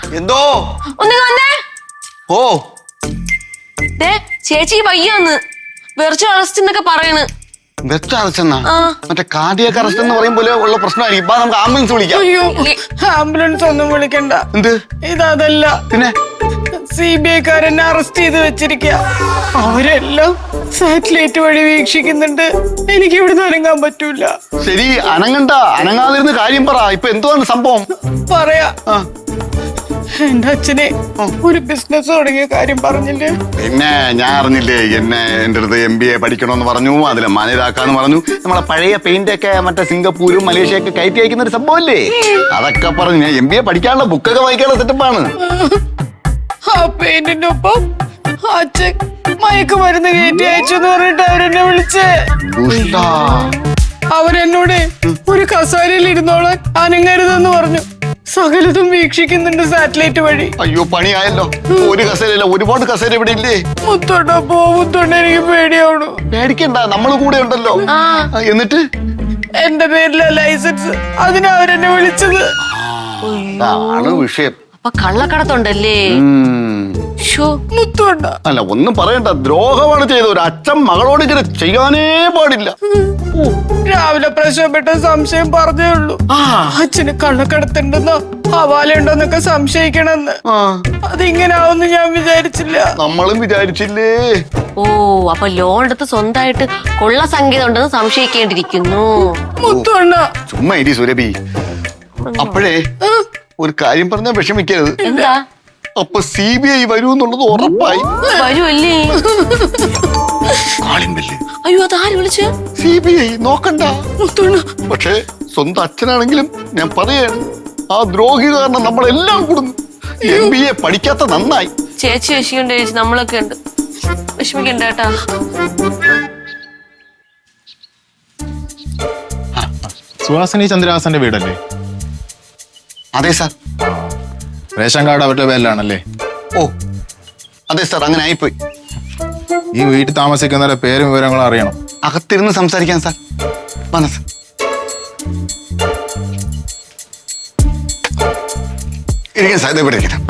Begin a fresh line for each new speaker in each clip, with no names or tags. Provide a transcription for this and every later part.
എന്തോ
ഒന്ന് വന്നേ.
ഓ
ചേച്ചി വയ്യൊന്ന് വെർച്വൽ അറസ്റ്റ് എന്നൊക്കെ പറയണ്.
വെർച്വൽ അറസ്റ്റ് എന്നാ? മറ്റേ കാർഡിയക് അറസ്റ്റ് എന്ന് പറയും പോലെ ഉള്ള പ്രശ്നമായിരിക്കും. ഇപ്പൊ നമുക്ക് ആംബുലൻസ് വിളിക്കാം.
അയ്യോ ആംബുലൻസ് ഒന്നും വിളിക്കണ്ട.
എന്ത്
ഇതല്ല,
പിന്നെ
CBI-കാരെന്നെ അറസ്റ്റ് ചെയ്ത് വെച്ചിരിക്കുക. അവരെല്ലാം സാറ്റലൈറ്റ് വഴി വീക്ഷിക്കുന്നുണ്ട്. എനിക്ക് ഇവിടുന്ന് അനങ്ങാൻ പറ്റൂല.
ശരി, അനങ്ങണ്ട. അനങ്ങാതിരുന്ന കാര്യം പറ. ഇപ്പൊ എന്തുവാണ് സംഭവം?
പറയാ, എന്റെ അച്ഛനെ ഒരു ബിസിനസ് തുടങ്ങിയ കാര്യം പറഞ്ഞില്ലേ?
പിന്നെ ഞാൻ അറിഞ്ഞില്ലേ, എന്റെ അടുത്ത് MBA പഠിക്കണമെന്ന് പറഞ്ഞു, അതിലെ മാനേജാക്കാന്ന് പറഞ്ഞു. നമ്മളെ പഴയ പെയിന്റ് ഒക്കെ മറ്റേ സിംഗപ്പൂരും മലേഷ്യയൊക്കെ കയറ്റി അയക്കുന്ന ഒരു സംഭവല്ലേ, അതൊക്കെ പറഞ്ഞു. ഞാൻ MBA പഠിക്കാനുള്ള ബുക്കൊക്കെ വായിക്കാനുള്ള സെറ്റപ്പാണ്.
ആ പെയിന്റിന്റെ ഒപ്പം അച്ഛൻ മയക്കുമരുന്ന് കയറ്റി അയച്ചു എന്ന് പറഞ്ഞിട്ട് അവരെന്നെ വിളിച്ചേ. അവരെന്നോട് ഒരു കസേരയിൽ ഇരുന്നോളാൻ അനങ്ങരുതെന്ന് പറഞ്ഞു. സകലതും വീക്ഷിക്കുന്നുണ്ട് സാറ്റലൈറ്റ് വഴി.
അയ്യോ പണിയായല്ലോ. ഒരു കസേരയില്ല, ഒരുപാട് കസേര ഇവിടെ ഇല്ലേ?
മുത്തോണ്ട മുത്തോണ്ട, എനിക്ക് പേടിയാവണു.
പേടിക്കണ്ട, നമ്മൾ കൂടെ ഉണ്ടല്ലോ. എന്നിട്ട്
എന്റെ പേരിലെ ലൈസൻസ്, അതിനാ അവരെന്നെ വിളിച്ചത്.
ആണ് വിഷയം.
അപ്പൊ കള്ളക്കടത്തുണ്ടല്ലേ?
മുത്തോണ്ട
അല്ല, ഒന്നും പറയണ്ട. ദ്രോഹമാണ് ചെയ്തത്. ഒരു അച്ഛൻ മകളോട് ഇങ്ങനെ ചെയ്യാനേ പാടില്ല.
രാവിലെ പ്രശ്നപ്പെട്ട സംശയം പറഞ്ഞേ ഉള്ളൂ. അച്ഛന് കള്ളക്കടത്തുണ്ടെന്നോ ഹവാലുണ്ടോന്നൊക്കെ സംശയിക്കണമെന്ന്. അതിങ്ങനെ ആവുമെന്ന് ഞാൻ വിചാരിച്ചില്ല.
നമ്മളും വിചാരിച്ചില്ലേ.
ഓ, അപ്പൊ ലോൺ എടുത്ത് സ്വന്തമായിട്ട് കൊള്ള സംഗീതം ഉണ്ടെന്ന് സംശയിക്കേണ്ടിയിരിക്കുന്നു.
മുത്തോണ്ട
ചുമ്മാ ഇരി സുരഭി. അപ്പോഴേ ഒരു കാര്യം പറഞ്ഞാൽ വിഷമിക്കരുത്.
എന്താ?
അപ്പൊ CBI വരൂ എന്നുള്ളത് ഉറപ്പായി.
വരുമല്ലേ? അയ്യോ, അതാര് വിളിച്ച?
CBI നോക്കണ്ട. പക്ഷേ സ്വന്തം അച്ഛനാണെങ്കിലും ഞാൻ പറയാണ്, ആ ദ്രോഹി കാരണം നമ്മളെല്ലാം കൂടുന്നു. MBA പഠിക്കാത്ത നന്നായി.
ചേച്ചി വിഷയുണ്ട് ചേച്ചി, നമ്മളൊക്കെ ഉണ്ട്. വിഷമിക്കണ്ട കേട്ടാ.
സുഹാസിനി ചന്ദ്രഹാസന്റെ വീടല്ലേ?
അതെ സാർ.
റേഷൻ കാർഡ് അവരുടെ പേരിലാണല്ലേ?
ഓ അതെ സാർ, അങ്ങനെ ആയിപ്പോയി.
ഈ വീട്ടിൽ താമസിക്കുന്നവരുടെ പേരും വിവരങ്ങളും അറിയണം.
അകത്തിരുന്ന് സംസാരിക്കാൻ സാർ. വന്ന സാർ, ഇരിക്കാൻ സാർ. ഇവിടെ ഇരിക്കാം.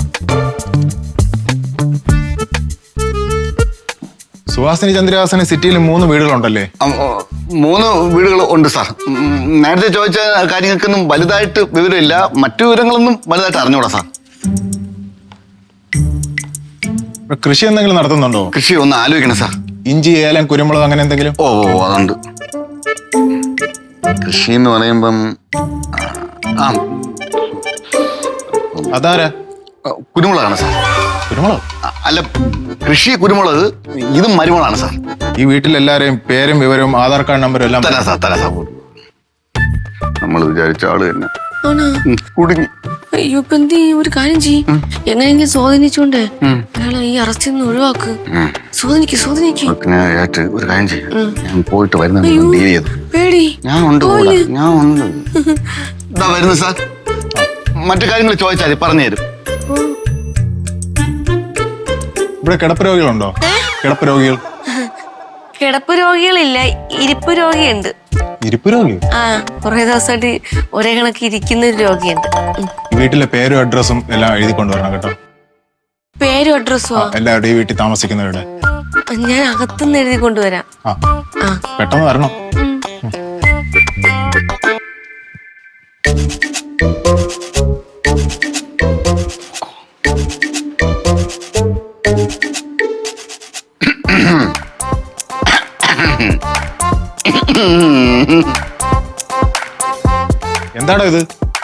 സുഹാസിനി ചന്ദ്രഹാസന് സിറ്റിയിൽ 3 വീടുകളുണ്ടല്ലേ?
3 വീടുകൾ ഉണ്ട് സാർ. നേരത്തെ ചോദിച്ച കാര്യങ്ങൾക്കൊന്നും വലുതായിട്ട് വിവരമില്ല. മറ്റു വിവരങ്ങളൊന്നും വലുതായിട്ട് അറിഞ്ഞൂടാ സാർ.
കൃഷി എന്തെങ്കിലും നടത്തുന്നുണ്ടോ?
കൃഷി ഒന്ന് ആലോചിക്കണം സാർ.
ഇഞ്ചി, ഏലം, കുരുമുളക് അങ്ങനെ എന്തെങ്കിലും?
ഓ അതുണ്ട്. കൃഷി എന്ന് പറയുമ്പം
അതാരാ?
കുരുമുളകാണ് സാർ.
കുരുമുളക്
അല്ല, കൃഷി കുരുമുളക്. ഇതും മരുമുളകാണ് സാർ.
ഈ വീട്ടിലെല്ലാരെയും പേരും വിവരവും ആധാർ കാർഡ് നമ്പരും എല്ലാം
തരാം സാർ, തരാം സാർ. നമ്മൾ വിചാരിച്ച ആള് തന്നെ കുടുങ്ങി.
അയ്യോ, ഇപ്പൊ എന്ത് ചെയ്യും? ഒരു കാര്യം ചെയ്യും, എങ്ങനെയെങ്കിലും സ്വാധീനിച്ചോണ്ട് അയാളെ ഈ അറസ്റ്റിൽ നിന്ന് ഒഴിവാക്ക്. സ്വാധീനിക്ക്.
ഒരു കാര്യം ചെയ്യും, ഞാൻ പോയിട്ട് വരുന്നുണ്ട്.
പേടി.
ഞാൻ ഉണ്ട്. ഇതാ വരുന്നു സാർ. മറ്റു കാര്യങ്ങൾ ചോദിച്ചാൽ പറഞ്ഞു തരും.
ഇവിടെ കിടപ്പ് രോഗികളുണ്ടോ? കിടപ്പ് രോഗികൾ?
കിടപ്പ് രോഗികളില്ല, ഇരിപ്പ് രോഗിയുണ്ട്.
ഇരിപ്പ് രോഗി?
കുറെ ദിവസമായിട്ട് ഒരേ കണക്ക് ഇരിക്കുന്ന ഒരു രോഗിയുണ്ട്.
വീട്ടിലെ പേരും അഡ്രസ്സും എല്ലാം എഴുതി കൊണ്ടുവരണം കേട്ടോ.
പേരും അഡ്രസ്സോ?
എല്ലാവരുടെയും വീട്ടിൽ താമസിക്കുന്നവരുടെ.
ഞാൻ അകത്തുനിന്ന് എഴുതി കൊണ്ടുവരാം.
പെട്ടെന്ന് വരണം. എന്താണോ ഇത്?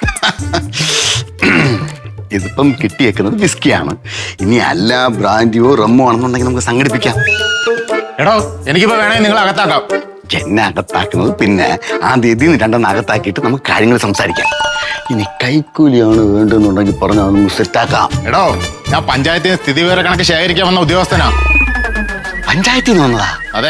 ഇതിപ്പം കിട്ടിയേക്കുന്നത് വിസ്കിയാണ്. ഇനി അല്ല ബ്രാൻഡിയോ റമ്മോ ആണെന്നുണ്ടെങ്കിൽ നമുക്ക് സംഘടിപ്പിക്കാം.
എടോ, എനിക്കിപ്പോ വേണേ നിങ്ങൾ അകത്താക്കാം.
എന്നെ അകത്താക്കുന്നത് പിന്നെ ആദ്യം ഇതിന് 2 അകത്താക്കിയിട്ട് നമുക്ക് കാര്യങ്ങൾ സംസാരിക്കാം. ഇനി കൈക്കൂലിയാണ് വേണ്ടെന്നുണ്ടെങ്കിൽ പറഞ്ഞാൽ നമുക്ക് സെറ്റാക്കാം.
എടോ, ഞാൻ പഞ്ചായത്തിന് സ്ഥിതി വിവര കണക്ക് ശേഖരിക്കാൻ വന്ന ഉദ്യോഗസ്ഥനാ.
പഞ്ചായത്തിൽ നിന്ന് വന്നതാ?
അതെ,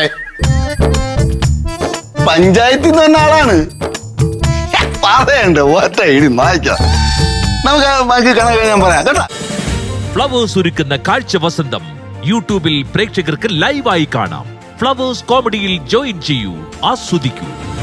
പഞ്ചായത്തിൽ നിന്ന് വന്ന ആളാണ്. പറയണ്ട, ഒറ്റ ഇടി വായിക്കാം. നമുക്ക് ബാക്കി കണക്ക് ഞാൻ പറയാം കേട്ടോ.
ഫ്ലവേഴ്സ് ഒരുക്കുന്ന കാഴ്ച വസന്തം യൂട്യൂബിൽ പ്രേക്ഷകർക്ക് ലൈവായി കാണാം. ഫ്ലവേഴ്സ് കോമഡിയിൽ ജോയിൻ ചെയ്യൂ, ആസ്വദിക്കൂ.